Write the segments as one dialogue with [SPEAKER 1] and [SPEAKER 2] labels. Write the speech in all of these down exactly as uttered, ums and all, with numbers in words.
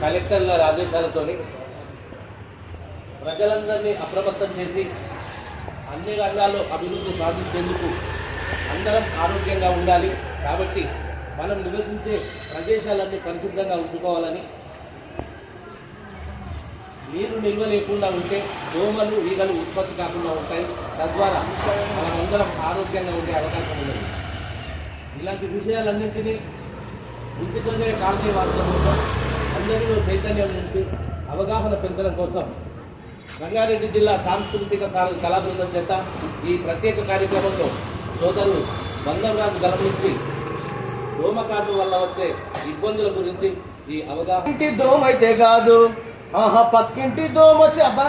[SPEAKER 1] కలెక్టర్ల ఆదేశాలతో ప్రజలందరినీ అప్రమత్తం చేసి అన్ని రంగాల్లో అభివృద్ధి సాధించేందుకు అందరం ఆరోగ్యంగా ఉండాలి కాబట్టి మనం నివసించే ప్రదేశాలన్నీ పరిశుభ్రంగా ఉంచుకోవాలని, నీరు నిల్వ లేకుండా ఉంటే దోమలు ఈగలు ఉత్పత్తి కాకుండా ఉంటాయి. తద్వారా మనం అందరం ఆరోగ్యంగా ఉండే అవకాశం ఉన్నది. ఇలాంటి విషయాలన్నింటినీ ఇంటితోనే కాలనీ వాడటం కోసం, అందరిలో చైతన్యం నుంచి అవగాహన పెంచడం కోసం రంగారెడ్డి జిల్లా సాంస్కృతిక కళా బృందం చేత ఈ ప్రత్యేక కార్యక్రమంలో సోదరులు బంధంరాజు గలం నుంచి దోమకాటు వల్ల వచ్చే ఇబ్బందుల గురించి ఈ అవగాహన.
[SPEAKER 2] ఇంటి దోమ అయితే కాదు, ఆహా పక్కింటి దోమ వచ్చి అబ్బా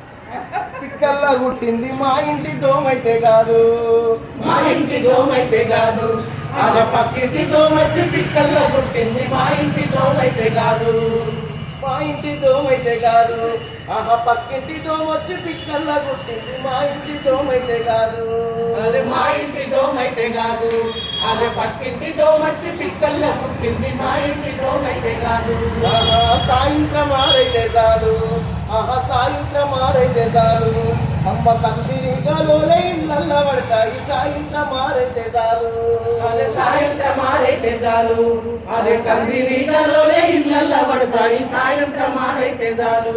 [SPEAKER 2] పిక్కల్లా గుట్టింది. మా ఇంటి దోమ అయితే కాదు,
[SPEAKER 3] మా ఇంటి దోమ అయితే కాదు,
[SPEAKER 2] ఆహా పక్కింటి దోమ వచ్చి పిక్కల్లా గుట్టింది.
[SPEAKER 3] మా ఇంటి దోమ అయితే కాదు,
[SPEAKER 2] మా ఇంటి దోమ అయితే కాదు, ఆహా పక్కింటి దోమ వచ్చి పిక్కల్లా గుట్టింది. మా ఇంటి దోమ అయితే కాదు,
[SPEAKER 3] అరే మా ఇంటి దోమ అయితే కాదు, అరే పక్కింటి దోమ వచ్చి పిక్కల్లో పుట్టింది. మా ఇంటి దోమ అయితే కాదు,
[SPEAKER 2] ఆహా సాయంత్రం ఆరైతే చాలు, ఆహా సాయంత్రం ఆరైతే చాలు, అమ్మ కందిరిగలోనే ఇళ్ళ పడతాయి. సాయంత్రం ఆరైతే చాలు,
[SPEAKER 3] అరే సాయంత్రం ఆరైతే చాలు, అరే కందిరీగలోనే ఇళ్ళల్లో పడతాయి. సాయంత్రం ఆరైతే చాలు,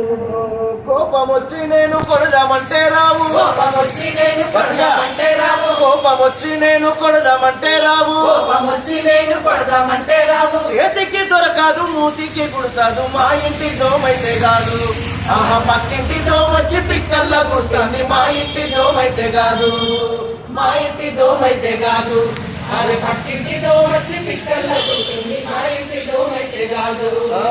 [SPEAKER 2] కోపం వచ్చి నేను కొడదామంటే రావు,
[SPEAKER 3] కోపం వచ్చి నేను కొడదామంటే రావు,
[SPEAKER 2] కోపం వచ్చి నేను కొడదామంటే రావు,
[SPEAKER 3] కోపం వచ్చి నేను కొడదామంటే రావు,
[SPEAKER 2] చేతికి దొరకదు మూతికి కుడతాదు. మా ఇంటి దోమైతే కాదు, ఆహా పక్కింటి దోమ వచ్చి పిక్కల్లా కుడుతుంది.
[SPEAKER 3] మా ఇంటి దోమ అయితే కాదు, మా ఇంటి దోమ అయితే కాదు, అరే పక్కింటి దోమ వచ్చి పిక్కల్లో పుట్టింది. మా ఇంటి దోమ అయితే కాదు,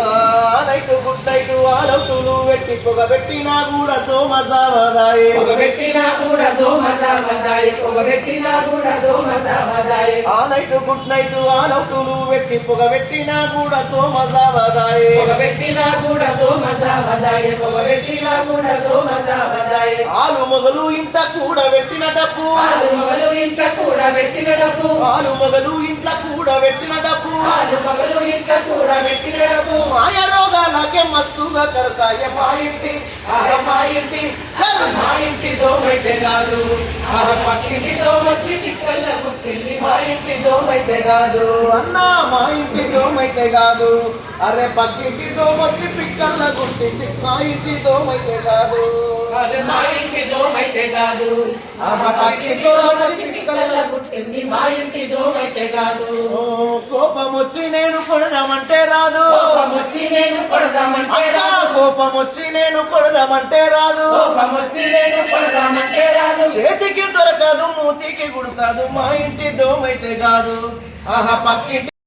[SPEAKER 2] నైట్ గుడ్ నైట్ ఆలవుతులు పెట్టి పొగ పెట్టినా కూడా దోమ సావదాయే,
[SPEAKER 3] పొగ పెట్టినా కూడా దోమ సావదాయే, పొగ పెట్టినా కూడా దోమ సావదాయే.
[SPEAKER 2] ఆ నైట్ గుడ్ నైట్ ఆలవుతులు పెట్టి పొగ పెట్టినా కూడా దోమ సావదాయే,
[SPEAKER 3] పొగ పెట్టినా కూడా దోమ సావదాయే, పొగ పెట్టినా కూడా దోమ సావదాయే.
[SPEAKER 2] ఆలు మొగలు ఇంట కూడా పెట్టిన డబ్బు,
[SPEAKER 3] ఆలు మొగలు ఇంట కూడా పెట్టిన డబ్బు,
[SPEAKER 2] ఆలు మొగలు ఇంట్లో కూడా పెట్టిన డబ్బు,
[SPEAKER 3] ఆలు మొగలు ఇంట కూడా పెట్టిన డబ్బు.
[SPEAKER 2] మాయ రోగాలకే మస్తుగా కరసాయ. మా ఇంటి
[SPEAKER 3] ఆహా మా ఇంటి మా ఇంటి దోమ అయితే కాదు, ఆహా పక్కింటి దోమ వచ్చి పిక్కల్లో పుట్టింది. మా ఇంటి దోమ అయితే కాదు,
[SPEAKER 2] అన్నా మా ఇంటి దోమైతే కాదు, అరే పక్కింటి దోమ వచ్చి పిక్కల్లా గుర్తింది. మా ఇంటి దోమైతే కాదు,
[SPEAKER 3] అరే మా ఇంటి దోమ అయితే కాదు, ఆహా పక్కింటి దోమ వచ్చి పిక్కల్లో పుట్టింది. మా ఇంటి దోమ అయితే కాదు,
[SPEAKER 2] ఓ, కోపం వచ్చి నేను కొడదామంటే రాదు,
[SPEAKER 3] కోపం వచ్చి నేను కొడదామంటే
[SPEAKER 2] అన్నా,
[SPEAKER 3] రాదు,
[SPEAKER 2] కోపం వచ్చి నేను కొడదామంటే రాదు,
[SPEAKER 3] కోపం వచ్చి నేను కొడదామంటే రాదు,
[SPEAKER 2] చేతికి దొరకదు మూతికి కుడతాదు. మా ఇంటి దోమైతే కాదు, ఆహా పక్కింటి